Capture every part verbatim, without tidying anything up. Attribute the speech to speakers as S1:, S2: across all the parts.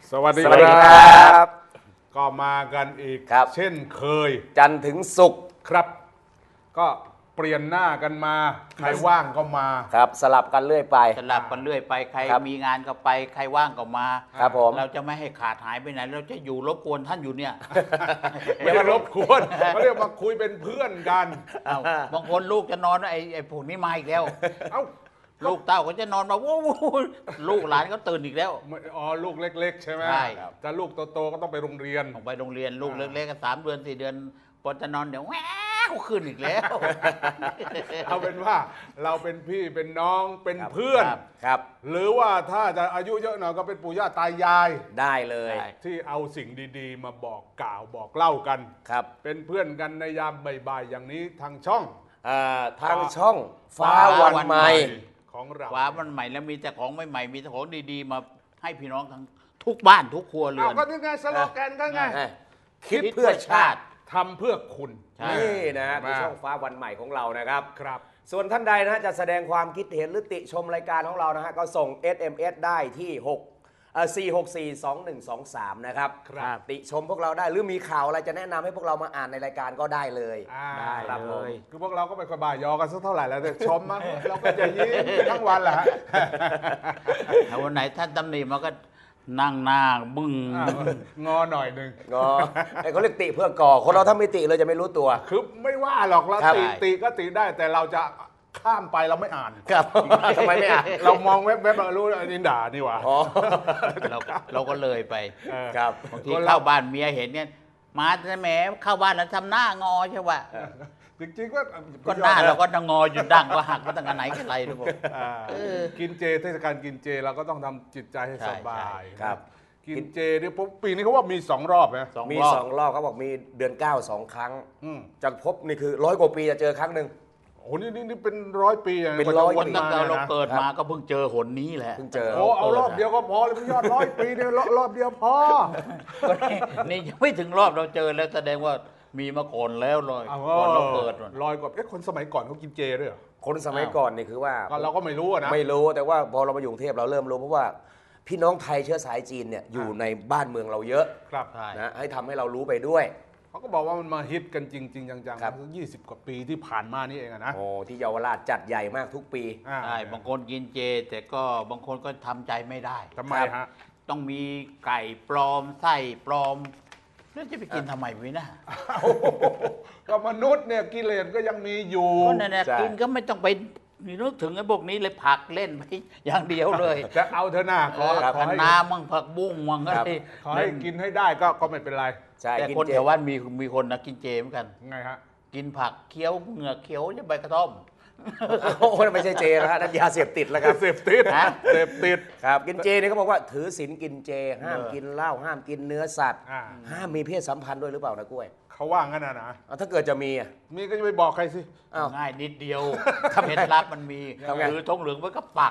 S1: สวัสดี
S2: ครับ
S1: ก็มากันอีกเช่นเคย
S2: จันทร์ถึงศุกร์
S1: ครับก็เปลี่ยนหน้ากันมาใครว่างก็มา
S2: ครับสลับกันเรื่อยไป
S3: สลับกันเรื่อยไปใครมีงานก็ไปใครว่างก็มา
S2: ครับผม
S3: เราจะไม่ให้ขาดหายไปไหนเราจะอยู่รบกวนท่านอยู่เนี่ย
S1: ไม่ได้รบกวนเขาเรียกมาคุยเป็นเพื่อนกัน
S3: บางคนลูกจะนอนไอ้ไอ้พวกนี้มาอีกแล้วเอ้าลูกเต้าก็จะนอนมาวู้ลูกหลานก็ตื่นอีกแล้ว
S1: อ๋อลูกเล็กๆใช่ไหม
S3: ใช่
S1: แต่ลูกโตๆก็ต้องไปโรงเรียน
S3: ต้องไปโรงเรียนลูกเล็กๆก็สามเดือนสี่เดือนพอจะนอนเดี๋ยวแหววขึ้นอีกแล้ว
S1: เอาเป็นว่าเราเป็นพี่เป็นน้องเป็นเพื่อน
S2: ครับ
S1: หรือว่าถ้าจะอายุเยอะหน่อยก็เป็นปู่ย่าตายาย
S2: ได้เลย
S1: ที่เอาสิ่งดีๆมาบอกกล่าวบอกเล่ากัน
S2: ครับ
S1: เป็นเพื่อนกันในยามบ่ายๆอย่างนี้ทางช่อง
S2: ทางช่องฟ้าวันใหม่
S1: ของเรา
S3: ฟ้าวันใหม่แล้วมีแต่ของใหม่ๆมีแต่ของดีๆมาให้พี่น้องทั้งทุกบ้านทุกครัวเรือน
S1: ก็นี่ไงสโลแกนก็ไง
S2: คิดเพื่อชาติ
S1: ทำเพื่อคุณ
S2: นี่นะคือช่องฟ้าวันใหม่ของเรานะครับ
S1: ครับ
S2: ส่วนท่านใดนะจะแสดงความคิดเห็นหรือติชมรายการของเรานะฮะก็ส่ง เอส เอ็ม เอส ได้ที่หกสี่หกสี่สองหนึ่งสองสามนะครับติชมพวกเราได้หรือมีข่าวอะไรจะแนะนำให้พวกเรามาอ่านในรายการก็ได้เลย
S1: ได้เลยคือพวกเราก็ไม่ค่อยบ่ายยอกันสักเท่าไหร่แล้วแต่ชมมาเราก็จะยิ้มทั้งวันแหละ
S3: ถ้าวันไหนท่านตำหนิมาก็นั่งหน้าบึ้ง
S1: งอหน่อยหนึ่ง
S2: งอไอ้เขาเรียกติเพื่อก่อคนเราถ้าไม่ติเลยจะไม่รู้ตัว
S1: คือไม่ว่าหรอกเราติติก็ติได้แต่เราจะข้ามไปเราไม่อ่าน
S2: ครับทำไมไม่อ่าน
S1: เรามองเว็บเว็บเรารู้อันนี้ด่านี่หว่า
S3: เราเราก็เลยไป
S2: ครับ
S3: บางทีเข้าบ้านเมียเห็นเนี่ยมาแต่แหมเข้าบ้านแล้วทำหน้างอใช่ป่ะ
S1: จริงๆก็
S3: ก็หน้าเราก็งออยู่ดั้งว่าหักมาตั้งแต่ไหนกันไรทุกคน
S1: กินเจเทศกาลกินเจเราก็ต้องทำจิตใจให้สบาย
S2: ครับ
S1: กินเจนี่ปีนี้เขาว่ามีสองรอบนะ
S2: มีสองรอบเขาบอกมีเดือนเก้าสองครั้งจากพบนี่คือร้อยกว่าปีจะเจอครั้งหนึ่ง
S1: โอ้นี่นี่เป็นร้อยปี
S2: เป็นร้อยปี
S3: ตั้งแต่เราเกิดมาก็เพิ่งเจอหนนี้แหละ
S2: เพิ่งเจอ
S1: โอ้เอารอบเดียวก็พอเลยพี่ยอดร้อยปีเนี่ยรอบเดียวพอ
S3: นี่ยังไม่ถึงรอบเราเจอแล้วแสดงว่ามีมาก่อนแล้วเลยก่อนเราเกิด
S1: ลอยกว่าเอ๊ะคนสมัยก่อนเขากินเจด้วยเหรอ
S2: คนสมัยก่อนนี่คือว่า
S1: เราก็ไม่รู้นะ
S2: ไม่รู้แต่ว่าพอเรามาอยู่กรุงเทพเราเริ่มรู้เพราะว่าพี่น้องไทยเชื้อสายจีนเนี่ยอยู่ในบ้านเมืองเราเยอะ
S1: ครับ
S2: นะให้ทำให้เรารู้ไปด้วย
S1: เขาก็บอกว่ามันมาฮิตกันจริงๆจังๆยี่สิบกว่าปีที่ผ่านมานี่เองนะ
S2: โอ้ที่เยาวราชจัดใหญ่มากทุกปี
S3: ใช่บางคนกินเจแต่ก็บางคนก็ทำใจไม่ได้
S1: ทำไมฮะ
S3: ต้องมีไก่ปลอมไส้ปลอมแล้วจะไปกินทำไมวินะ
S1: ก็มนุษย์เนี่ยกิเลสก็ยังมีอยู่
S3: ก็นั่นแหละกินก็ไม่ต้องไปนึกถึงไอ้พวกนี้เลยผักเล่นไปอย่างเดียวเลย
S1: จะเอาเธอหน้าขอ
S3: ขอน้ำมั่งผักบุ้งมั่งอะไร
S1: ขอให้กินให้ได้ก็ก็ไม่เป็นไร
S3: แต่คนแถวบ้านมีมีคนนะกินเจเหมือนกัน
S1: ไงฮะ
S3: กินผักเคี้ยวเหงือกเคี้ยวจะใบกระท่อม
S2: โอ้ไม่ใช่เจนะฮะนั่นยาเสพติดแล้วครับ
S1: เสพติดเสพติด
S2: ครับกินเจนี่เขาบอกว่าถือศีลกินเจห้ามกินเหล้าห้ามกินเนื้อสัตว์ห้ามมีเพศสัมพันธ์ด้วยหรือเปล่านะกล้วย
S1: เขาว่างั้นนะนะ
S2: ถ้าเกิดจะมีอ่ะ
S1: มีก็จะไปบอกใครสิ
S3: ง่ายนิดเดียวเคล็ดลับมันมีคือทงเหลืองไว้ก็ปัก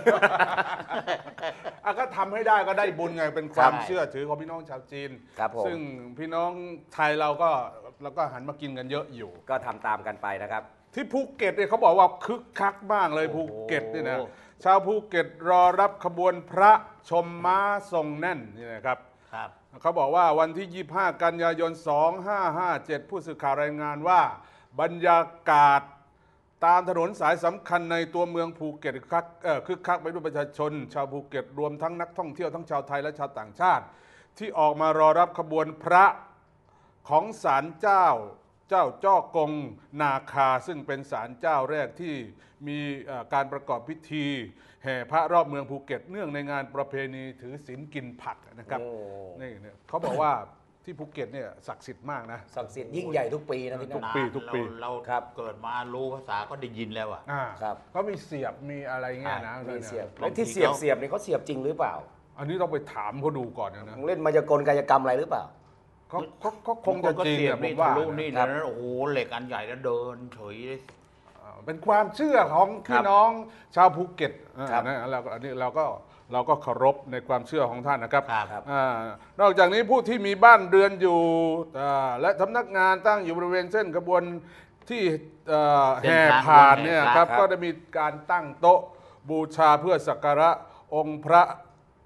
S1: ก็ทำให้ได้ก็ได้บุญไงเป็นความเชื่อถือของพี่น้องชาวจีนซึ่งพี่น้องไทยเราก็เราก็หันมากินกันเยอะอยู่
S2: ก็ทำตามกันไปนะครับ
S1: ที่ภูเก็ตเนี่ยเขาบอกว่าคึกคักมากเลยภูเก็ตนี่นะชาวภูเก็ตรอรับขบวนพระชมม้าทรงแน่นนี่นะครับเขาบอกว่าวันที่ยี่สิบห้ากันยายนสองพันห้าร้อยห้าสิบเจ็ดผู้สื่อข่าวรายงานว่าบรรยากาศตามถนนสายสำคัญในตัวเมืองภูเก็ตคึกคักคึกคักไปด้วยประชาชนชาวภูเก็ตรวมทั้งนักท่องเที่ยวทั้งชาวไทยและชาวต่างชาติที่ออกมารอรับขบวนพระของศาลเจ้าเจ้าจ้อกงนาคาซึ่งเป็นศาลเจ้าแรกที่มีการประกอบพิธีแห่พระรอบเมืองภูเก็ตเนื่องในงานประเพณีถือศีลกินผักนะครับนี่เนี่ยเขาบอกว่าที่ภูเก็ตเนี่ยศักดิ์สิทธิ์มากนะ
S2: ศักดิ์สิทธิ์ยิ่งใหญ่ทุกปีนะที่
S1: ทุกปีทุกปี
S3: เราเกิดมารู้ภาษาก็ได้ยินแล้วอ่ะ
S1: ครับเขามีเสียบมีอะไรเงี้ยนะ
S2: มีเสียบแล้วที่เสียบเสียบนี่เขาเสียบจริงหรือเปล่า
S1: อันนี้ต้องไปถามเขาดูก่อนนะ
S2: เล่นมายากลกายกรรมอะไรหรือเปล่า
S1: เขาเขาเขาคงจะจริง
S3: เนี่ย
S1: ผมว่า
S3: ลูกนี่นะโอ้โหเหล็กอันใหญ่แล้วเดินเฉยเลย
S1: เป็นความเชื่อของพี่น้องชาวภูเก็ตนะเราอันนี้เราก็เราก็เคารพในความเชื่อของท่านนะครับนอกจากนี้ผู้ที่มีบ้านเรือนอยู่และสำนักงานตั้งอยู่บริเวณเส้นขบวนที่แห่ผ่านเนี่ยครับก็ได้มีการตั้งโต๊ะบูชาเพื่อสักการะองค์พระ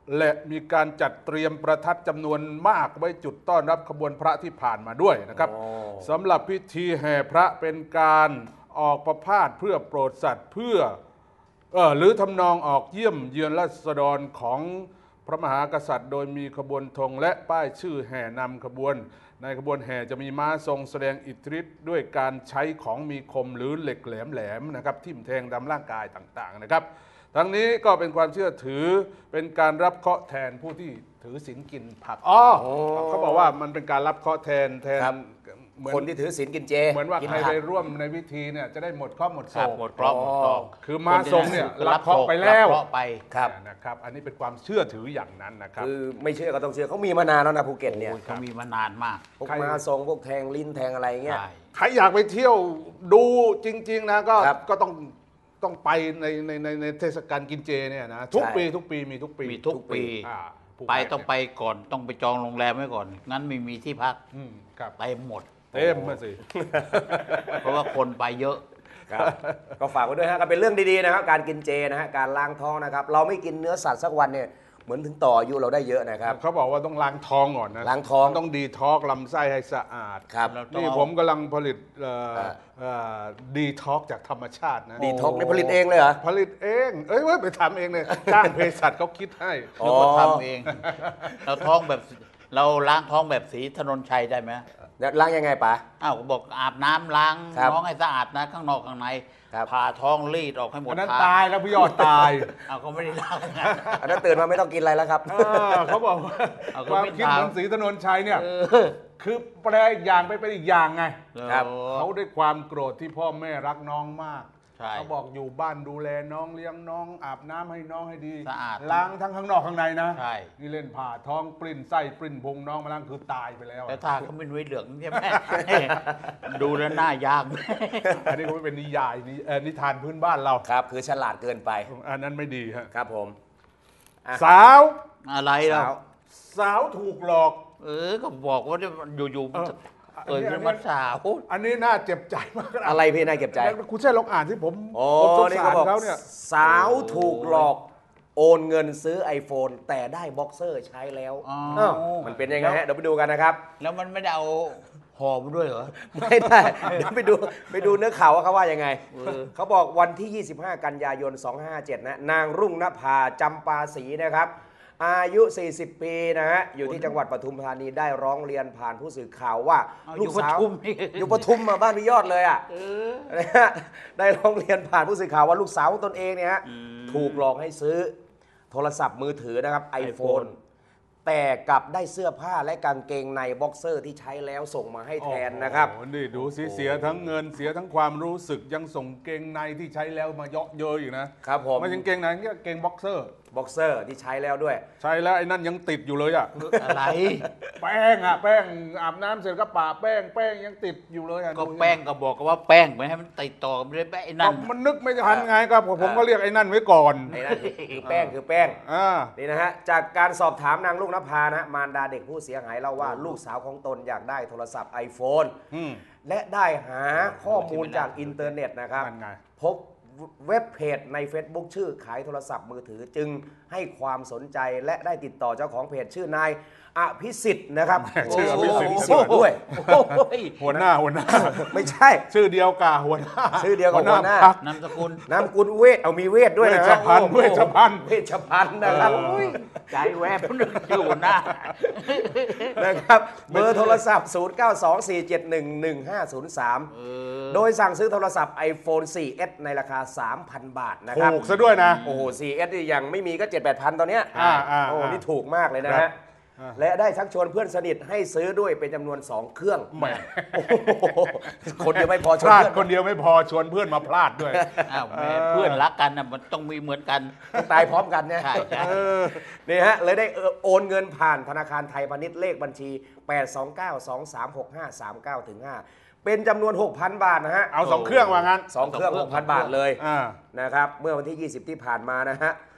S1: และมีการจัดเตรียมประทัดจำนวนมากไว้จุดต้อนรับขบวนพระที่ผ่านมาด้วยนะครับสำหรับพิธีแห่พระเป็นการออกประพาสเพื่อโปรดสัตว์เพื่อเออหรือทำนองออกเยี่ยมเยือนราษฎรของพระมหากษัตริย์ โดยมีขบวนธงและป้ายชื่อแห่นำขบวนในขบวนแห่จะมีม้าทรงแสดงอิทธิฤทธิ์ด้วยการใช้ของมีคมหรือเหล็กแหลมๆนะครับทิ่มแทงตามร่างกายต่างๆนะครับทั้งนี้ก็เป็นความเชื่อถือเป็นการรับเคราะห์แทนผู้ที่ถือศีลกินผักอ๋อเขาบอกว่ามันเป็นการรับเคราะห์แทนแทนเหมือน
S2: คนที่ถือศีลกินเจ
S1: เหมือนว่า
S2: กิน
S1: ใคร
S2: ผัก
S1: ไปร่วมในพิธีเนี่ยจะได้หมดเคราะห์หมดโศ
S3: ครับ
S1: ก
S3: หมดเคราะห์หมดโศก
S1: คือมาทรงเนี่ยรับเคราะห์ไปแล้ว
S3: รับเคราะห์ไป
S2: ครับ
S1: นะครับอันนี้เป็นความเชื่อถืออย่างนั้นนะครับ
S2: คือไม่เชื่อก็ต้องเชื่อเขามีมานานแล้วนะภูเก็ตเนี่ย
S3: โอ้ยเขามีมานานมาก
S2: พวก
S1: ใคร
S2: มาทรงพวกแทงลิ้นแทงอะไรเงี้ย
S3: ใช่
S1: ใครอยากไปเที่ยวดูจริงๆนะก็
S2: ครับ
S1: ก็ต้องต้องไปในในในในเทศกาลกินเจเนี่ยนะทุก
S2: ใช่
S1: ปีทุกปีมีทุกปี
S3: มีทุกปี
S1: อ่าผู้
S3: ไป
S1: ขาย
S3: ต้องไปก่อนต้องไปจองโรงแรมไว้ก่อน งั้นไม่มีที่พัก
S1: อืมครับ
S3: เต็มหมด
S1: เต็มมาสิ
S3: เพราะว่าคนไปเยอะ
S2: ครับก็ฝากไว้ด้วยฮะก็เป็นเรื่องดีๆนะครับการกินเจนะฮะการล้างท้องนะครับเราไม่กินเนื้อสัตว์สักวันเนี่ยเหมือนถึงต่ออายุเราได้เยอะนะครับ
S1: เขาบอกว่าต้องล้างท้องก่อนนะ
S2: ล้างท้อง
S1: ต้องดีท็อกลำไส้ให้สะอาด
S2: ครับ
S3: แล้วต้อง
S1: นี่
S3: เอา
S1: ผมกำลังผลิตเอ่อ
S2: เอ่อ
S1: เอ่อดีท็อกจากธรรมชาตินะ
S2: ดีท็อกนี่ผลิตเองเลยเหรอ
S1: ผลิตเองเอ้ยเว้ยไปทำเองเลยจ้างเภสัชเขาคิดให้
S2: อ๋อ
S3: นึกว่าทำเอง เราท้องแบบเราล้างท้องแบบสีถนนชัยได้ไหม
S2: แล้วล้างยังไงป๋า
S3: อ้าวก็บอกอาบน้ำล้าง
S2: ครับ
S3: น้องให้สะอาดนะข้างนอกข้างใน
S2: ครับ
S3: ผ่าท้องรีดออกให้หมด
S1: อันนั้น
S3: ท
S1: ตายแล้วพี่ยอดตาย
S3: เอาก็ไม่ได้ล้างนะ
S2: อันนั้นตื่นมาไม่ต้องกินอะไรแล้วครับ
S1: เออเขาบอกว่า
S3: เอาก็
S1: ความ
S3: ไม่
S1: คิด
S3: ตาม
S1: เหมือนศรีถนนชัยเนี่ย
S3: เออ
S1: คือแปลอีกอย่างไปเป็นอีกอย่างไง
S2: ครับ
S3: โอ้
S1: เขาด้วยความโกรธที่พ่อแม่รักน้องมาก
S3: ใช่
S1: เขาบอกอยู่บ้านดูแลน้องเลี้ยงน้องอาบน้ำให้น้องให้ดี
S3: สะอาด
S1: ล้างทั้งข้างนอกข้างในนะ
S3: ใช่
S1: นี่เล่นผ่าท้องปริ้นไส้ปริ้นพุงน้องมาล้างคือตายไปแล้ว
S3: แต่ถ้าเขาไม่นุ้ยเหลืองใช่ไหม ดูแล้วหน้ายาก
S1: อันนี้ก็ไม่เป็นนิยายนี่เอ่อนิทานพื้นบ้านเรา
S2: ครับคือฉลาดเกินไป
S1: อันนั้นไม่ดีฮะ
S2: ครับผมอ่ะ
S1: สาว
S3: อะไรเรา
S2: สาว
S1: สาวถูกหลอก
S3: เออก็บอกว่าอยู่
S1: เออ
S3: ๆเกิดขึ้นมาสาว
S1: อันนี้น่าเจ็บใจมากน
S2: อะไรพี่นายเก็บใจ
S1: คุณใช่ลองอ่านที่ผม
S2: โอ้
S1: ผมสง
S2: นี่
S1: สา
S2: เขา
S1: ร
S2: บอก
S1: เขาเนี่ย
S2: สาวถูกหลอกโอนเงินซื้อ iPhone แต่ได้บ็อกเซอร์ใช้แล้ว
S3: อ๋อ
S2: อ้าวมันเป็นยังไงฮะเดี๋ยวไปดูกันนะครับ
S3: แล้วมันไม่ได้เอาห่อมาด้วยเหรอ
S2: ไม่ได้เดี๋ยวไปดูไปดูเนื้อข่าวว่าเขาว่ายังไง เขาบอกวันที่ ยี่สิบห้า กันยายน สองห้าห้าเจ็ด นะนางรุ่งนภาจำปาศรีนะครับ อายุ สี่สิบ ปีนะฮะ อยู่ที่จังหวัดปทุมธานีได้ร้องเรียนผ่านผู้สื่อข่าวว่า
S3: เอา
S2: ลูกสาว
S3: อยู่ปทุมนี่
S2: อยู่ปทุมมาบ้านพี่ยอดเลยอ่ะนะฮะได้ร้องเรียนผ่านผู้สื่อข่าวว่าลูกสาวของตนเองเนี่ยฮะถูกหลอกให้ซื้อโทรศัพท์มือถือนะครับ iPhone แต่กลับได้เสื้อผ้าและกางเกงในบ็อกเซอร์ที่ใช้แล้วส่งมาให้แทนนะครับ
S1: โอ้โหนี่ดูสิเสียทั้งเงินเสียทั้งความรู้สึกยังส่งเกงในที่ใช้แล้วมาเยาะเย้ยอยู่นะครับ
S2: ผม
S1: ไม่ใช่เกงในนี่เกงบ็อกเซอร์
S2: บ็อกเซอร์ที่ใช้แล้วด้วย
S1: ใช้แล้วไอ้นั่นยังติดอยู่เลยอ่ะ
S3: อะไร
S1: แป้งอ่ะแป้งอาบน้ำเสร็จก็ปะแป้งแป้งยังติดอยู่เลยอ่ะ
S3: ก็
S1: ดู
S3: แป้งก็บอกว่าแป้งไม่ให้มันติดต่อกันไม่ได้แป้งไอ้นั่
S1: ก็
S3: น
S1: มันนึกไม่ทันไงครับผมผมก็เรียกไอ้นั่นไว้ก่อน
S2: ไอ้นั่นคือคือแป้งคือแป้ง
S1: อ่า
S2: นี่นะฮะจากการสอบถามนางลูกนภานะมารดาเด็กผู้เสียหายเล่าว่าลูกสาวของตนอยากได้โทรศัพท์ iPhone
S1: อืม
S2: และได้หาข้อมูลจากอินเทอร์เน็ตนะครับ
S1: นั่นไง
S2: พบเว็บเพจใน Facebook ชื่อขายโทรศัพท์มือถือจึงให้ความสนใจและได้ติดต่อเจ้าของเพจชื่อนายอภิสิทธิ์นะครับ
S1: ชื่ออภิสิทธิ์
S2: โอ้โหด้วย
S3: โอ้ย
S1: หัวหน้าหัวหน้า
S2: ไม่ใช่
S1: ชื่อเดียวกับหัวหน้า
S2: ชื่อเดียวกับหัวหน้า
S1: พรรคน
S3: ามสกุล
S2: นามกุลเวทเอามีเวทด้วยนะ
S1: เวชภัณฑ์
S2: โอ้โห
S1: เวชภัณฑ์
S2: เวชภัณฑ์นะครับ
S1: เออ
S2: อุ้ย
S3: ใจแวบนึกอยู่หน้า
S2: นะครับเบอร์โทรศัพท์ ศูนย์ เก้า สอง สี่ เจ็ด หนึ่ง หนึ่ง ห้า ศูนย์ สาม โดยสั่งซื้อโทรศัพท์ iPhone โฟร์เอส ในราคา สามพัน บาทนะครับ
S1: ถูกซะด้วยนะ
S2: โอ้โห โฟร์เอส นี่ยังไม่มีก็ เจ็ดแปดพัน ตอนเนี้ย
S1: อ่าอ่า
S2: โอ้โห
S1: อ่านี่
S2: นี่ถูกมากเลยนะ
S1: ครั
S2: ฮะ
S1: บอ่า
S2: และได้ชักชวนเพื่อนสนิทให้ซื้อด้วยเป็นจำนวน สอง เครื่อง
S1: แหม
S2: โอ้โหคนเดียวไม่พอช
S1: พ
S2: วน
S1: ลาด
S2: เพื่อน
S1: คนเดียวไม่พอชวนเพื่อนมาพลาดด้วย
S3: อ้าวแม่เพื่อนรักกันนะมันต้องมีเหมือนกัน
S2: ต้องตายพร้อมกันเนี่ย
S3: ใช่ใช่
S1: เออ
S2: นี่ฮะเลยได้โอนเงินผ่านธนาคารไทยพาณิชย์เลขบัญชี แปด สอง เก้า สอง สาม หก ห้า สาม เก้า ถึง ห้า เป็นจำนวน หกพัน บาทนะฮะ
S1: เอาสองเครื่องว่างั้น
S2: สองเครื่อง
S3: สองเครื่อง
S2: หกพัน บาทเลย
S1: อ่า
S2: นะครับเมื่อวันที่ ยี่สิบ ที่ผ่านมานะฮะ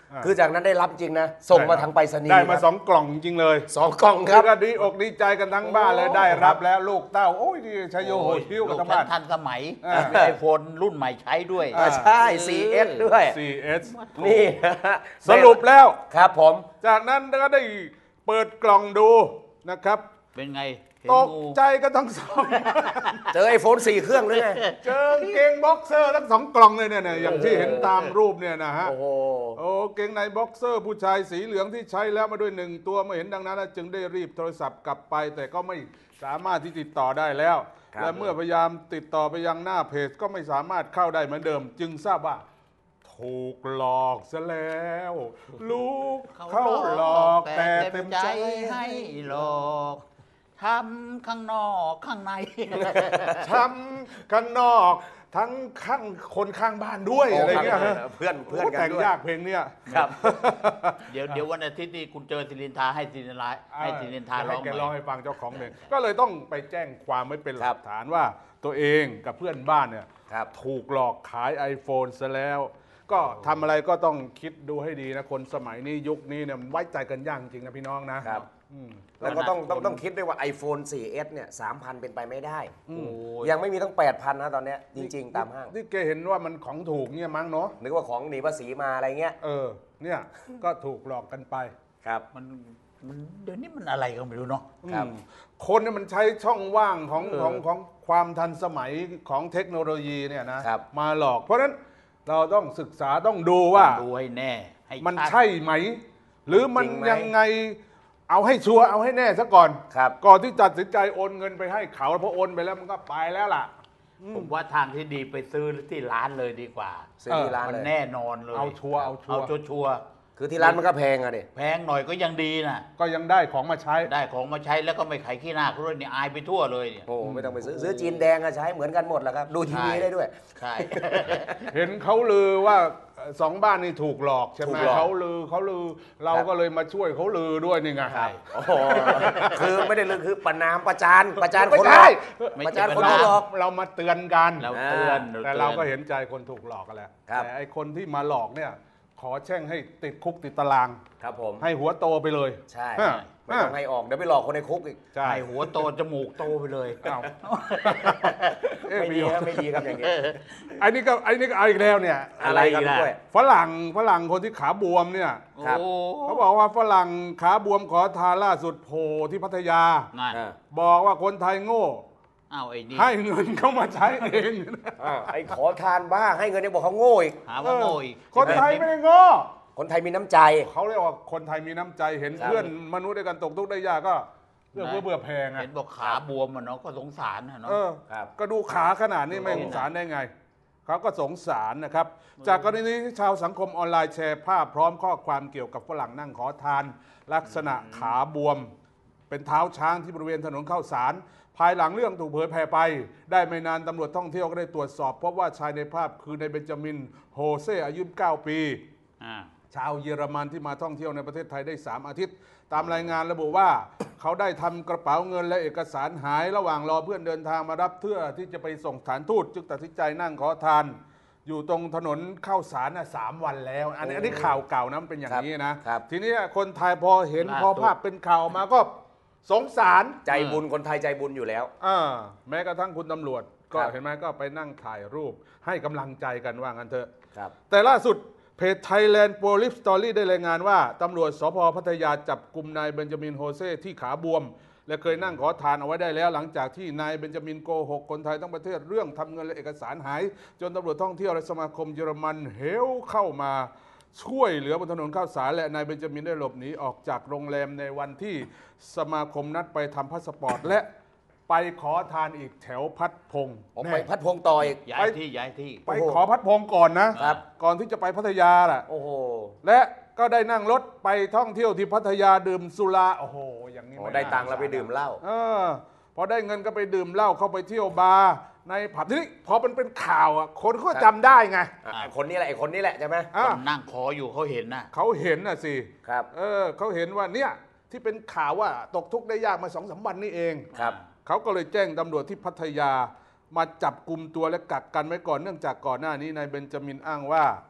S1: อ่า
S2: คือจากนั้นได้รับจริงนะ ส่งมาทางไปรษณีย์
S1: ได้มา
S2: ครับ
S1: สองกล่องจริงเลย
S2: สองกล่องค
S1: คื
S2: รั
S1: อบ ก็ดีอกดีใจกันทั้งบ้านเลย
S2: โอ้
S1: ได้รับแล้วลูกเต้าโอ้ยดีชัยโยโห
S3: โอ้ย
S1: ชิวกัน
S3: ลูก
S1: ทั้ง
S3: ฉั
S1: บ้าน
S3: นทันสมัย
S1: อ่า
S3: มีไอโฟนรุ่นใหม่ใช้ด้วย
S1: อ่า
S2: ใช่ โฟร์ เอส ด้วย
S1: ซี เอส
S2: นี่นะฮะ
S1: สรุปแล้ว
S2: ครับผม
S1: จากนั้นก็ได้เปิดกล่องดูนะครับ
S3: เป็นไงเห็น
S1: ตก
S3: งู
S1: ใจกันทั้งสอง
S2: เจอไอโฟนสี่เครื่องเลยไง
S1: เจอเกงบ็อกเซอร์ทั้งสองกล่องเลยเนี่ยเนี่ยอย่างที่เห็นตามรูปเนี่ยนะฮะ
S2: โอ้โห
S1: โอ้เกงในบ็อกเซอร์ผู้ชายสีเหลืองที่ใช้แล้วมาด้วยหนึ่งตัวเมื่อเห็นดังนั้นจึงได้รีบโทรศัพท์กลับไป แต่ก็ไม่สามารถที่ติดต่อได้แล้ว
S2: ครับ
S1: และเมื่อพยายามติดต่อไปยังหน้าเพจก็ไม่สามารถเข้าได้เหมือนเดิม จึงทราบว่าถูกหลอกซะแล้ว ลูกเขาหลอกแต่เต็มใจ
S3: ให้หลอกทำข้างนอกข้างใน
S1: ช้ำข้างนอกทั้งข้างคนข้างบ้านด้วยอะไรเงี้ยฮะ
S2: เพื่อนเพื่อน
S1: โอ้
S2: กัน
S1: แต่ง
S2: ด้วย
S1: ยากเพลงเนี้ย
S2: ครับ
S3: เดี๋ยวเดี๋ยววันอาทิตย์นี้คุณเจอสิรินทาให้สิรินทาให้สิรินทาร้อง
S1: ให้แก
S3: ให
S1: ร้อง
S3: ม่
S1: ให้ฟังเจ้าของเพลงก็เลยต้องไปแจ้งความไว้เป็นห
S2: ครั
S1: ลั
S2: บ
S1: กฐานว่าตัวเองกับเพื่อนบ้านเนี่ย
S2: ครับ
S1: ถูกหลอกขาย iPhone ซะแล้ว ก็ทำอะไรก็ต้องคิดดูให้ดีนะ คนสมัยนี้ยุคนี้เนี่ยมันไว้ใจกันยากจริงนะพี่น้องนะครับ อืม
S2: แล้วก็ต้อง
S3: ขนาด
S2: ต้อง
S3: คน
S2: ต้องคิดด้วยว่า iPhone โฟร์ เอส เนี่ย สามพัน เป็นไปไม่ได้
S3: โอ้ย
S2: ยังไม่มีตั้ง แปดพัน นะตอนเนี้ยจริง ๆ ตามห้าง
S1: นี่แกเห็นว่ามันของถูกเนี่ยมั้งเนาะ
S2: นึกว่าของหนีภาษีมาอะไรเงี้ย
S1: เออเนี่ยก็ถูกหลอกกันไป
S2: ครับ
S3: มันมันเดี๋ยวนี้มันอะไรก็ไม่รู้เนาะ
S2: ครับ
S1: อืมคนเนี่ยมันใช้ช่องว่างของ
S3: เออ
S1: ของของความทันสมัยของเทคโนโลยีเนี่ยนะครับ มาหลอก เพราะฉะนั้นเราต้องศึกษาต้องดูว่า
S3: ดูให้แน่ให้
S1: มัน
S3: ชัด
S1: ใช่ไหม หรือมัน
S2: จริงไหม
S1: ยังไงเอาให้ชัวร์เอาให้แน่ซะก่อน
S2: ครับ
S1: ก่อนที่ตัดสินใจโอนเงินไปให้เขาเพราะโอนไปแล้วมันก็ไปแล้วล่ะ
S3: ผมว่าทางที่ดีไปซื้อที่ร้านเลยดีกว่า
S2: ซื้อที่ร้าน
S3: มัน
S2: เลย
S3: แน่นอนเลย
S1: เอาชัวร์เอาชัวร์
S3: เอาชัวชัวร์
S2: คือที่ร้านมันก็แพงอะดิ
S3: แพงหน่อยก็ยังดีนะ
S1: ก็ยังได้ของมาใช้
S3: ได้ของมาใช้แล้วก็ไม่ไขขี้หน้าเขาด้วยเนี่ยอายไปทั่วเลยเนี่ย
S2: โอ้ไม่ต้องไปซื้อซื้อจีนแดงอะใช้เหมือนกันหมดแหละครับ ดูทีวี
S3: ใช่
S2: ได้ด้วย
S3: ใช่
S1: เห็นเขาลือว่าเอ่อสองบ้านนี่ถูกหลอกใช่ไห
S2: ถู
S1: ม
S2: กหลอก
S1: เขาลือเขาลือเรา
S2: ครับ
S1: ก็เลยมาช่วยเขาลือด้วยนี่ไง
S3: ใช่
S2: โอ้โหคือไม่ได้เรื่องคือประนามประจานประจาน
S1: ไม่
S2: คนหล
S1: ใช่
S2: อก
S3: ไม่
S2: ประ
S3: ใช่
S2: จานคน
S3: ประ
S2: ที่
S3: นาม
S2: หลอก
S1: เรามาเตือนกัน
S3: เราเตือน
S1: แต่
S3: ตือน
S1: เราก็เห็นใจคนถูกหลอกกันแหละ
S2: ครับ
S1: แต่ไอคนที่มาหลอกเนี่ย ขอแช่งให้ติดคุกติดตาราง
S2: ครับผม
S1: ให้หัวโตไปเลย
S2: ใช่
S1: ฮะ
S2: ไม่ต้องให้ออกเดี๋ยวไปหลอกคนในคุกอีก
S1: ใช่
S3: ให้หัวโตจมูกโตไปเลย
S1: อ้าว เอ๊ะ
S2: ไม่ดีครับไม่ดีครับอย่างนี้
S1: ไอ้นี่ก็ไอ้นี่ก็เอาอีกแล้วเนี่ย
S2: อะไรครับ
S3: อะไรอีกล่ะ
S2: ด้วย
S1: ฝรั่งฝรั่งคนที่ขาบวมเนี่ย
S2: ครับ
S3: โอ้
S1: เขาบอกว่าฝรั่งขาบวมขอทานล่าสุดโผล่ที่พัทยา
S3: นั่น
S2: อ่า
S1: บอกว่าคนไทยโง่
S3: อ้าวไอ้นี่
S1: ให้เงินเขามาใช้เอง
S2: อ่าไอ้ขอทานบ้าให้เงินยังบอกเขาโง่อีก
S3: หาว่าโง่อีก
S1: คนไทยไม่ได้โง่
S2: คนไทยมีน้ำใจ
S1: เขาเรียกว่าคนไทยมีน้ำใจเห็น
S2: ครับ
S1: เพื่อนมนุษย์ด้วยกันตกทุกข์ได้ยากก็เรื่องเพื่อเบื่อแพง
S3: เห็
S1: อ่ะ
S3: นบอกขาบวมอ่ะเนาะก็สงสารนะเนาะ
S1: เออ
S2: ครับ
S1: ก็ดูขาขนาดนี้ไม่สงสารได้ไง เขาก็สงสารนะครับ จากกรณีที่ชาวสังคมออนไลน์แชร์ภาพพร้อมข้อความเกี่ยวกับฝรั่งนั่งขอทาน ลักษณะขาบวม เป็นเท้าช้างที่บริเวณถนนข้าวสาร ภายหลังเรื่องถูกเผยแพร่ไป ได้ไม่นานตำรวจท่องเที่ยวก็ได้ตรวจสอบพบว่าชายในภาพคือในายเบนจามินโฮเซอายุเก้าปี
S3: อ่า
S1: ชาวเยอรมันที่มาท่องเที่ยวในประเทศไทยได้ สาม อาทิตย์ ตามรายงานระบุว่า เขาได้ทำกระเป๋าเงินและเอกสารหายระหว่างรอเพื่อนเดินทางมารับเพื่อที่จะไปส่งสถานทูตจึงตัดสินใจนั่งขอทาน อยู่ตรงถนนข้าวสารน่ะสามวันแล้ว อันนี้อันนี้ข่าวเก่านะมันเป็นอย่างนี้นะครับ ทีนี้คนไทยพอเห็น
S3: ล่าสุด
S1: พอภาพเป็นข่าวมาก็สงสาร
S2: ใจบุญคนไทยใจบุญอยู่แล้ว
S1: อ่าแม้กระทั่งคุณตำรวจ ก็
S2: ครับ
S1: เห็นไหมก็ไปนั่งถ่ายรูป ให้กำลังใจกันว่างั้นเถอะ
S2: ครับ
S1: แต่ล่าสุดเพจ Thailand Police Story ได้รายงานว่า ตำรวจสพพัทยาจับกลุ่มนายเบนจามินโฮเซที่ขาบวม และเคยนั่งขอทานเอาไว้ได้แล้ว หลังจากที่นายเบนจามินโกหกคนไทยทั้งประเทศเรื่องทำเงินและเอกสารหาย จนตำรวจท่องเที่ยวและสมาคมเยอรมันเฮลเข้ามาช่วยเหลือบนถนนข้าวสารและนายเบนจามินได้หลบหนีออกจากโรงแรมในวันที่สมาคมนัดไปทำพาสปอร์ตและไปขอทานอีกแถวพัดพงษ์
S2: ผม
S1: แน่
S2: ไปพัดพงต่ออีก
S3: ย้ายที่ย้ายที่
S1: ไป
S2: โอ้โห
S1: ขอพัดพงษ์ก่อนนะครับ ก่อนที่จะไปพัทยาล่ะ
S2: โอ้โห
S1: และก็ได้นั่งรถไปท่องเที่ยวที่พัทยาดื่มสุราโอ้โหอย่างนี้
S2: โอ้
S1: ม่
S2: ได้
S1: น่า
S2: ตังค์แล้วไปดื่มเหล้า
S1: เออพอได้เงินก็ไปดื่มเหล้าเข้าไปเที่ยวบาร์ในผับทีนี้พอมันเป็นข่าวอ่ะคนก็จำได้ไง
S2: อ่ะไอ้คนนี้แหละไอ้คนนี้แหละใช่ไหม
S1: อ่ะ
S3: คนนั่งขออยู่เขาเห็นนะ
S1: เขาเห็นน่ะสิ
S2: ครับ
S1: เออเขาเห็นว่าเนี่ยที่เป็นข่าวว่าตกทุกข์ได้ยากมาสองสามวันนี่เอง
S2: ครับ
S1: เขาก็เลยแจ้งตำรวจที่พัทยามาจับกลุ่มตัวและกักกันไว้ก่อนเนื่องจากก่อนหน้านี้นายเบนจามินอ้างว่า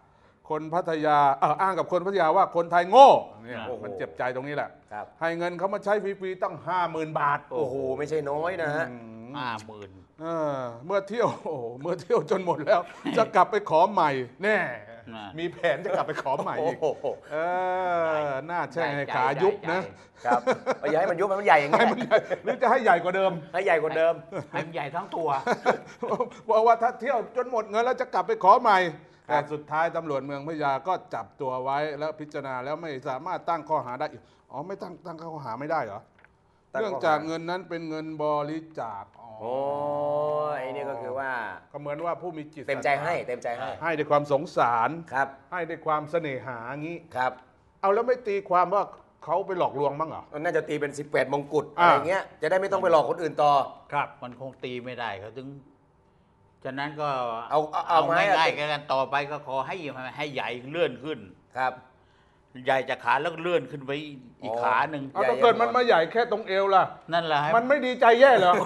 S1: คนพัทยาเอออ้างกับคนพัทยาว่าคนไทยโง่เนี่ย
S2: โอ้โห
S1: มันเจ็บใจตรงนี้แหละ
S2: ครับ
S1: ให้เงินเขามาใช้ฟรีๆตั้งห้าหมื่นบาท
S2: โอ้โหไม่ใช่น้อยนะฮะ
S3: ห้าหมื่น
S1: เออเมื่อเที่ยวโอ้โหเมื่อเที่ยวจนหมดแล้ว จะกลับไปขอใหม่แน่มีแผนจะกลับไปขอใหม่อีก
S2: โอ้โห
S1: เออหน้าแช่งให้ขายุบนะครับ
S2: อย่าให้มันยุบให้มันใหญ่อย่างนี้
S1: ให้มันใหญ่หรือจะให้ใหญ่กว่าเดิม
S2: ให้ใหญ่กว่าเดิม
S3: ให้มันใหญ่ทั้งตัว
S1: บอกว่าถ้าเที่ยวจนหมดเงินแล้วจะกลับไปขอใหม่
S2: ครั
S1: แต่
S2: บ
S1: สุดท้ายตำรวจเมืองพัทยาก็จับตัวไว้แล้วพิจารณาแล้วไม่สามารถตั้งข้อหาได้อีกอ๋อไม่ตั้งตั้งข้อหาไม่ได้เหรอ
S2: ตั้งข้อหา
S1: เนื่องจากเงินนั้นเป็นเงินบริจาคอ๋อ
S2: โอ้ยนี่ก็คือว่า
S1: ก็เหมือนว่าผู้มีจิต
S2: เต็มใจให้เต็มใจให้
S1: ให้ด้วยความสงสาร
S2: ครับ
S1: ให้ด้วยความเสน่หางี้
S2: ครับ
S1: เอาแล้วไม่ตีความว่าเขาไปหลอกลวงบ้างเหรอ
S2: มันน่าจะตีเป็นสิบแปดมงกุฎ
S1: อ่า
S2: อะไรเงี้ยจะได้ไม่ต้องไปหลอกคนอื่นต่อ
S1: ครับ
S3: มันคงตีไม่ได้เขาถึงฉะนั้นก็
S2: เอาเอาเอาไม้
S3: ง่ายๆกันต่อไปก็ขอให้ให้ใหญ่เลื่อนขึ้น
S2: ครับ
S3: ใหญ่จากขาแล้วก็เลื่อนขึ้นไปอีก
S2: อ๋อ
S3: ขาหนึ่ง
S1: เอา
S2: ใหญ่
S1: ถ้าเกิดมันมาใหญ่แค่ตรงเอวล่ะ
S3: นั่นแหละให้
S1: มันไม่ดีใจแย่เหรอ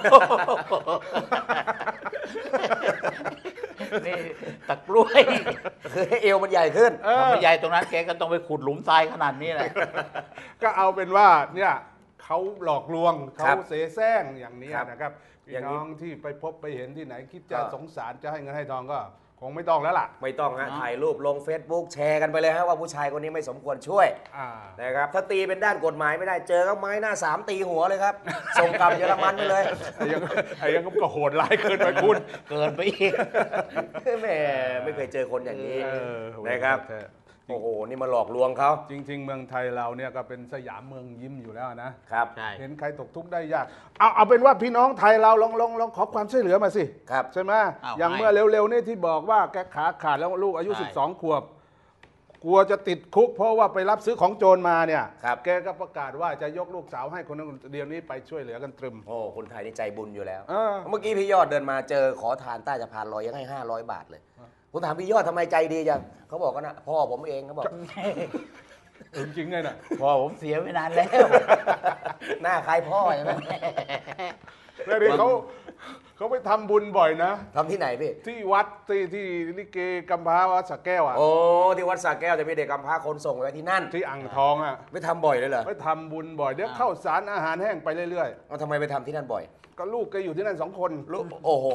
S3: นี่ตะกล้วย
S2: คือให้เอวมันใหญ่ขึ้น
S1: เออ
S3: ถ้าไม่ใหญ่ตรงนั้นแกก็ต้องไปขุดหลุมทรายขนาดนี้แหละ
S1: ก็เอาเป็นว่าเนี่ยเขาหลอกลวง
S2: ครั
S1: เขา
S2: บ
S1: เสแสร้งอย่างนี้
S2: ครับ
S1: นะครับ
S2: อ
S1: พี่
S2: ย่างนี้
S1: น้องที่ไปพบไปเห็นที่ไหนคิดจะ
S2: ก็
S1: สงสารจะให้เงินให้ทองก็คงไม่ต้องแล้วล่ะ
S2: ไม่ต้องฮะ
S3: เนอะ
S2: ถ่ายรูปลง Facebook แชร์กันไปเลยฮะว่าผู้ชายคนนี้ไม่สมควรช่วย
S1: อ่า
S2: นะครับถ้าตีเป็นด้านกฎหมายไม่ได้เจอก็ไม้หน้าสามตีหัวเลยครับ ส่งกลับเยอรมันไปเลย
S1: ไอ้ยังไอ้ยังก็โหดร้ายเกินไปคุณ
S3: เกินไปอีก
S2: แหม่ไม่เคยเจอคนอย่างนี้
S1: เออ
S2: นะครับ
S1: แท้
S2: โอ้โหนี่มาหลอกลวงเขา
S1: จริง ๆ เมืองไทยเราเนี่ยก็เป็นสยามเมืองยิ้มอยู่แล้วนะ
S2: ครับ
S3: ใช่
S1: เห็นใครตกทุกข์ได้ยาก เอาเอาเป็นว่าพี่น้องไทยเราลองลองลองขอความช่วยเหลือมาสิ
S2: ครับ
S1: ใช่ไหม
S3: เอา
S1: อย่าง
S3: ให้
S1: เมื่อเร็วๆนี่ที่บอกว่าแกขาขาดแล้วลูกอายุ
S3: ใช่
S1: สิบสอง ขวบ กลัวจะติดคุก เพราะว่าไปรับซื้อของโจรมาเนี่ย
S2: ครับ
S1: แกก็ประกาศว่าจะยกลูกสาวให้คนนั้นคนเดียวนี้ไปช่วยเหลือกันตรึม
S2: โอ้คนไทยนี่ใจบุญอยู่แล้ว
S1: เออ
S2: เมื่อกี้พี่ยอดเดินมาเจอขอทานใต้สะพานลอยยังให้ห้าร้อยบาทเลยผมถามพี่ยอดทำไมใจดีจังเขาบอกก็นะพ่อผมเองเขาบอก
S1: จริงๆไงน่ะ
S3: พอผมเสียไปนานแล้ว
S2: หน้าคล้ายพ่อใช่ไหม
S1: แล้วนี่เขาเขาไปทำบุญบ่อยนะ
S2: ทำที่ไหนพี่
S1: ที่วัดที่ที่ลิเกกำพร้าวัดสระแก้วอ่ะ
S2: โอ้ที่วัดสระแก้วแต่พี่เด็กกำพร้าคนส่งไว้ที่นั่น
S1: ที่อ่างทองอ่ะ
S2: ไม่ทำบ่อยเลยเหรอ
S1: ไปทำบุญบ่อยเดี๋ยวเข้าวสารอาหารแห้งไปเรื่อย
S2: เอาทำไมไปทำที่นั่นบ่อย
S1: ๆ ก็ลูกแกอยู่ที่นั่นสองคน
S2: ลูกโอ้โห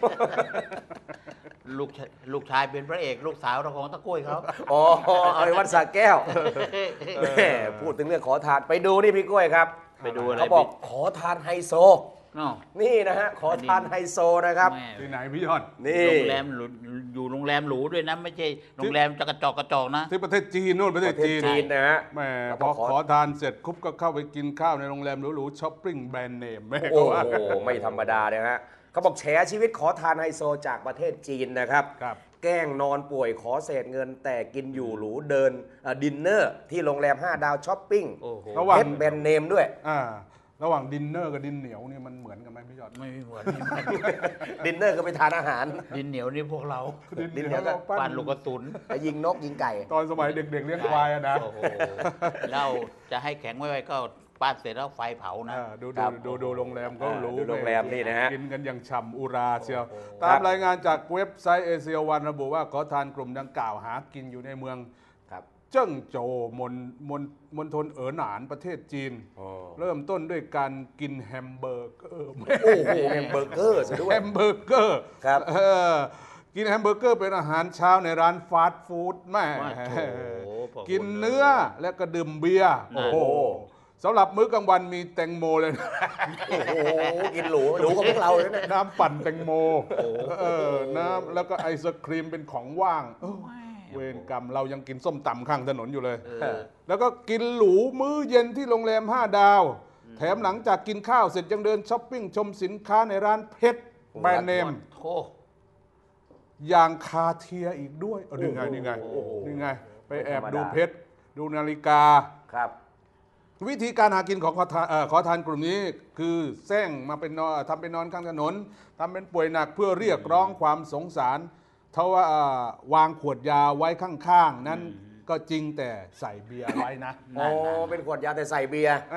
S3: ลูกชายลูกชายเป็นพระเอกลูกสาวเราของตะกล้วยเขา
S2: อ๋อเอาไปวัดสระแก้วแม่พูดถึงเรื่องขอทานไปดูนี่พี่กล้วยครับ
S3: ไปดูอะไร
S2: เขาบอกขอทานไฮโซ
S3: อ้าว
S2: นี่นะฮะขอทานไฮโซนะครับ
S3: แม่
S1: ที่ไหนพี่ยอด
S2: นี่
S3: โรงแรมหรูอยู่โรงแรมหรูด้วยนะ ไม่ใช่โรงแรมจะกระจอกกระจอกนะ
S1: ที่ประเทศจีนนู่นประเทศ
S2: ประเทศ
S1: จีน
S2: จีนนะฮะ
S1: แหม่
S2: แล้ว
S1: พ
S2: ก็
S1: อ
S2: ขอ
S1: ขอทานเสร็จคุบก็เข้าไปกินข้าวในโรงแรมหรูๆช้อปปิ้งแบรนด์เนมแม่
S2: โอ้
S1: ก็ว่า
S2: โหไม่ธรรมดาเลยฮะเขาบอกแฉชีวิตขอทานไฮโซจากประเทศจีนนะครับ
S1: ครับ
S2: แกล้งนอนป่วยขอเศษเงิน แต่กินอยู่หรูเดินเอ่อดินเนอร์ที่โรงแรมห้าดาวช้อปปิ้ง
S3: โอ้โห
S1: ระหว่าง
S2: เพชรแบรนด์เนมด้วย
S1: อ่าระหว่างดินเนอร์กับดินเหนียวนี่มันเหมือนกันไหมพี่ยอด
S3: ไม่มีเหมือน
S2: ดินเนอร์ก็ไปทานอาหาร
S3: ดินเหนียวนี่พวกเรา
S2: ดินเหนียวก็
S3: ปานลูกกระสุน
S2: ไปยิงนกยิงไก่
S1: ตอนสมัยเด็กๆเลี้ยงควายอะนะ
S3: โอ้โหเราจะให้แข็งไว้ๆก็ป้านเสร็จแล้วไฟเผานะ
S1: อ่าดู
S2: ครั
S1: ดู
S2: บ
S1: ดูดูโรงแรมก็รู้
S2: ดูโรงแรมนี่นะฮะ
S1: กินกันอย่างฉ่ำอุราเชียว
S3: โอ้โห
S1: ตามรายงานจากเว็บไซต์เอเชียวันระบุว่าขอทานกลุ่มดังกล่าวหากินอยู่ในเมือง
S2: ครับ
S1: เจิ้งโจวมณมณมณฑลเอ๋อหนานประเทศจีน
S2: โอ้
S1: เริ่มต้นด้วยการกินแฮมเบอร์เกอร์
S2: โอ้โหแฮมเบอร์เกอร์ซะด้วย
S1: แฮมเบอร์เกอร์
S2: ครับ
S1: เออกินแฮมเบอร์เกอร์เป็นอาหารเช้าในร้านฟาสต์ฟู้ดแม่
S3: ว่าโถพอ
S1: กินเนื้อและก็ดื่มเบียร์
S3: นั่
S1: โอ้
S3: น
S1: โหสำหรับมื้อกลางวันมีแตงโมเลยนะ
S2: โอ้โหกินหรูหรูกว่าพวกเราเลยนะ
S1: น้ำปั่นแตงโมเออน้ำแล้วก็ไอศครีมเป็นของว่างเออเวรกรรมเรายังกินส้มตำข้างถนนอยู่เลย
S3: เออ
S1: แล้วก็กินหรูมื้อเย็นที่โรงแรมห้าดาว แถมหลังจากกินข้าวเสร็จยังเดินช้อปปิ้งชมสินค้าในร้านเพชรแบรนด์เนม
S3: โถ
S1: อย่างคาเทียอีกด้วยเออนี่ไงนี่ไง
S2: โอ้โห
S1: นี่ไง ไปแอบ
S2: ไม่ธรรมดา
S1: ดูเพชร ดูนาฬิกา
S2: ครับ
S1: วิธีการหากินของขอทานเอ่อขอทานกลุ่มนี้คือแซงมาเป็นนอนทำเป็นนอนข้างถนนทำเป็นป่วยหนักเพื่อเรียกร้องความสงสารเท่าว่าเอ่อวางขวดยาไว้ข้างๆ นั้นก็จริงแต่ใส่เบียร์ไว้นะ
S2: โอ้เป็นขวดยาแต่ใส่เบียร์
S1: นั่นน่ะ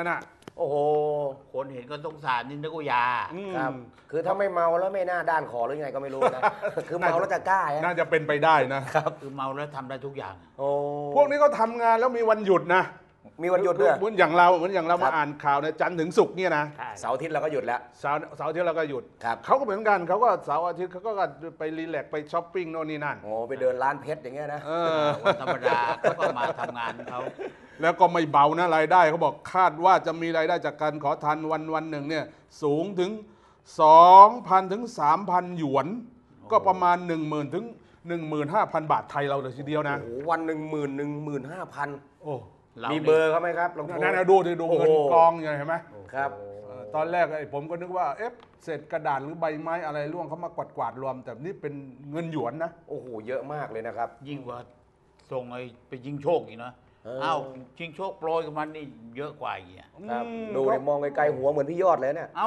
S2: โอ้โห
S3: คนเห็นก็สงสารนี่นึกว่ายา
S1: อืม
S2: ครับ คือถ้าไม่เมาแล้วไม่น่าด้านคอหรือไงก็ไม่รู้นะ คือเมาแล้วจะกล้า
S1: น่า
S2: ฮะ
S1: จะเป็นไปได้นะ
S3: คือเมาแล้วทำได้ทุกอย่าง
S2: โอ้
S1: พวกนี้ก็ทำงานแล้วมีวันหยุดนะ
S2: มีวันหยุดด้วย
S1: เหมือนอย่างเราเหมือนอย่างเรา
S2: ครั
S1: มา
S2: บ
S1: อ่านข่าวในยจันทร์ถึงศุกร์เนี่ยนะ
S2: เสาร์อาทิตย์เราก็หยุดแล้ว
S1: เสาร์เสาร์อาที่เราก็หยุด
S2: ครับ
S1: เขาก็เหมือนกันเขาก็เสาร์อาทิตย์เขาก็ไปรีแลกซ์ไปช้อปปิ้งโน่นนี่นั่น
S2: โอ้ไปเดินร้านเพชรอย่างเงี้ยนะ
S1: เออ
S3: วันธรรมดาเขาก็มาทำงานเขา
S1: แล้วก็ไม่เบานะรายได้เขาบอกคาดว่าจะมีรายได้จากการขอทานวันวันหนึ่งเนี่ยสูงถึง สองพัน ถึง สามพัน หยวน ก็ประมาณ หนึ่งหมื่น ถึง หนึ่งหมื่นห้าพัน บาทไทยเราเลยทีเดียวนะ
S2: โอ้โหวันหนึ่งหมื่นหนึ่งหมื่นห้าพัน
S1: โอ้
S2: มีเบอร์เขาไหมครับลองโทร
S1: นั่นนะดูดิดู
S2: โอ้โห
S1: เงินกองอย่างเห็นไหม
S2: ครับ
S1: เออตอนแรกไอ้ผมก็นึกว่าเอ๊ะเศษกระดาษหรือใบไม้อะไรร่วงเขามากวาดกวาดๆรวม แต่นี่เป็นเงินหยวนนะ
S2: โอ้โหเยอะมากเลยนะครับ
S3: ยิ่งกว่าส่งไอ้ไปยิงโชคอีกนะ
S2: เออ
S3: เอ้าชิงโชคโปรยกับมันนี่เยอะกว่าอีกอ่ะ
S2: ครับ
S1: อืม
S2: ดูเนี่ยมองไกลๆหัวเหมือนพี่ยอดเลยเนี่ย
S3: เอ้า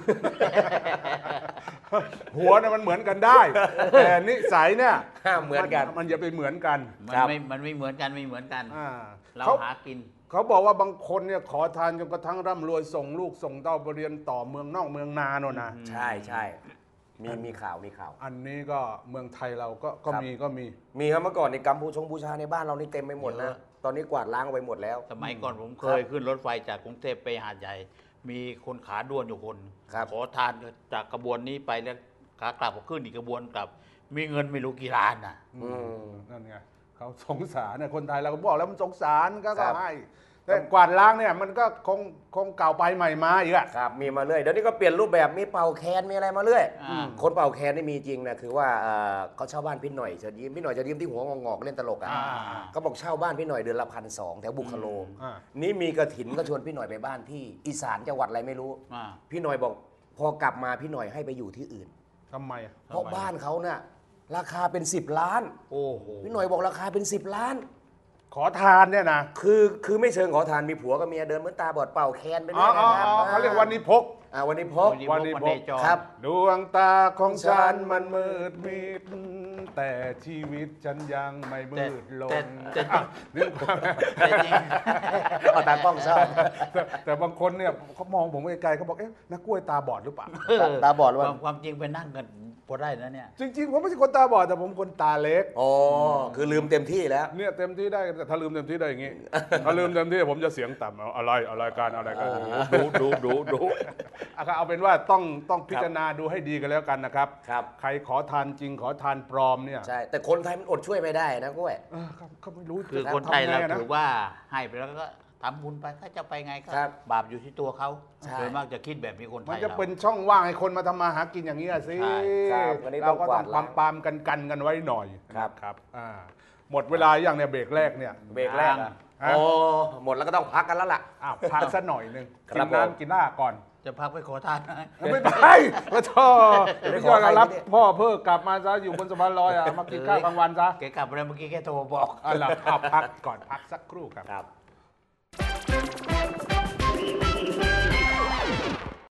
S1: หัวเนี่ยมันเหมือนกันได้ แต่นิสัยเนี่ย
S2: ห้ามเหมือนกัน
S1: มันจะไปเหมือนกัน
S3: มัน
S2: ครับ
S3: ไม่มันไม่เหมือนกันไม่เหมือนกัน
S1: อ่า
S3: เรา
S1: เขา
S3: หากิน
S1: เขาบอกว่าบางคนเนี่ยขอทานจนกระทั่งร่ำรวยส่งลูกส่งเต้าไปเรียนต่อเมืองนอกเมืองนาโน่นนะ
S2: ใช่ใช่มีมีข่าวมีข่าว
S1: อันนี้ก็เมืองไทยเราก็ก็
S2: ครับ
S1: มีก็มี
S2: มีครับเมื่อก่อนในกัมพูชงบูชาในบ้านเรานี่เต็มไปหมด
S3: เย
S2: นะ
S3: อะ
S2: ตอนนี้กวาดล้างไปหมดแล้ว
S3: สมัยก่อนผมเคยขึ้นรถไฟจากกรุงเทพไปหาดใหญ่ มีคนขาด้วนอยู่คน
S2: ครับ
S3: ขอทานจากกระบวนนี้ไปแล้วขากลับก็ขึ้นอีกกระบวนกลับ มีเงินไม่รู้กี่ล้านน่ะ
S2: อืม
S1: นั่นไงเขาสงสารเนี่ยคนไทยเราก็บอกแล้วมันสงสารก็
S2: ครั
S1: ก็
S2: บ
S1: ให้แต่กวาดล้างเนี่ยมันก็คงคงเก่าไปใหม่มาอีกอะ
S2: ครับมีมาเรื่อยเดี๋ยวนี้ก็เปลี่ยนรูปแบบมีเป่าแคนมีอะไรมาเรื่อย
S3: อ่า
S2: คนเป่าแคนนี่มีจริงนะคือว่าเอ่อเขาเช่าบ้านพี่หน่อยเชิญยิ้มพี่หน่อยเชิญยิ้มที่หัวงอกๆเล่นตลกอ่ะ
S1: อ่า
S2: เขาบอกเช่าบ้านพี่หน่อยเดือนละพันสองแถวบุคโล
S1: อ่า
S2: นี่มีกระถินก็ชวนพี่หน่อยไปบ้านที่อีสานจังหวัดอะไรไม่รู้
S3: อ่า
S2: พี่หน่อยบอกพอกลับมาพี่หน่อยให้ไปอยู่ที่อื่น
S1: ทำไมอะ
S2: เพราะบ้านเขาน่ะราคาเป็นสิบล้าน
S3: โอ้โห
S2: พี่หน่อยบอกราคาเป็นสิบล้าน
S1: ขอทานเนี่ยนะ
S2: คือคือไม่เชิงขอทานมีผัวกับเมียเดินเหมือนตาบอดเป่าแคนไป
S1: อ๋
S2: เรื่
S1: อ
S2: อย
S1: อ๋อ
S2: นะครับ
S1: อ๋อเขาเรียกวันนี้พก
S2: อ่าวันนี้พบ
S1: วันนี้พบ
S3: จร
S2: ครับ
S1: ดวงตาของฉันมันมืดมิด แต่ชีวิตฉันยังไม่มืดล
S3: แต่
S1: ง
S3: แต่
S1: อ่ะนึกว่า
S3: แต่จริง
S2: เอาตากล้องชอบ
S1: แต่แต่บางคนเนี่ยเขามองผมไกลๆเขาบอกเอ๊ะนักกล้วยตาบอดหรือเปล่า
S2: ตาตาบอดหรือ
S3: ค
S2: เป
S3: วา
S2: ล่าม
S3: ความจริงไปนั่งกันพอได้นะเนี่ย
S1: จริง ๆ ผมไม่ใช่คนตาบอดแต่ผมคนตาเล็ก
S2: อ๋อคือลืมเต็มที่แล้ว
S1: เนี่ยเต็มที่ได้แต่ถ้าลืมเต็มที่ได้อย่างงี้ ถ้าลืมเต็มที่ผมจะเสียงต่ำเอาอะไรอะไรการอะไรกันดูดูดูดูอ่ะเอาเป็นว่าต้องต้องพิจารณาดูให้ดีกันแล้วกันนะครับ
S2: ครับ
S1: ใครขอทานจริงขอทานปลอมเนี่ย
S2: ใช่ แต่คนไทยมันอดช่วยไม่ได้นะกล้วย
S1: เออครับเขาไม่รู้
S3: คือ
S1: จะ
S3: คนไทย
S1: ทำ
S3: เรา
S1: ไงนะ
S3: ถือว่าให้ไปแล้วก็ทำบุญไปเขาจะไปไงก็
S2: ครับ
S3: บาปอยู่ที่ตัวเขา
S2: ใช่
S3: โดยมากจะคิดแบบนี้คนไท
S1: มัน
S3: ย
S1: จะ
S3: เรา
S1: เป็นช่องว่างให้คนมาทำมาหากินอย่างนี้ยสิ
S3: ใช่
S2: ครับอันนี้ต้
S1: เรา
S2: อง
S1: ก็
S2: ก
S1: ต้
S2: วา
S1: อง
S2: ด
S1: ป
S2: ล้า
S1: าง มปามกันกันกันไว้หน่อย
S2: ครับ
S1: ครับอ่าหมดเวลาอย่างเนี่ยเบรกแรกเนี่ย
S2: เบรกแรกอะ
S1: อ่ะ
S2: โอ้หมดแล้วก็ต้องพักกันแล้วล่ะ
S1: อ้าวพักสักหน่อยหนึง
S2: ครั
S1: กิ
S2: บ
S1: น
S2: ผม
S1: น้ำกินหน้าก่อน
S3: จะพักไปขอทาน
S1: ไม่ไปก็ชอบ
S2: เดี๋ยวไป
S1: พี่
S2: ขอย
S1: อด
S2: ใคร
S1: รับ
S2: ไม่ได้
S1: พ่อเพิ่งกลับมาซะอยู่บนสะพานลอยอ่ะมากินข้าวกลางวันซะ
S3: แกกลับมาแล้วเมื่อกี้แกโทรบอก
S1: อ่ะหลับเอาพักก่อนพักสักครู่ครับ
S2: ครับ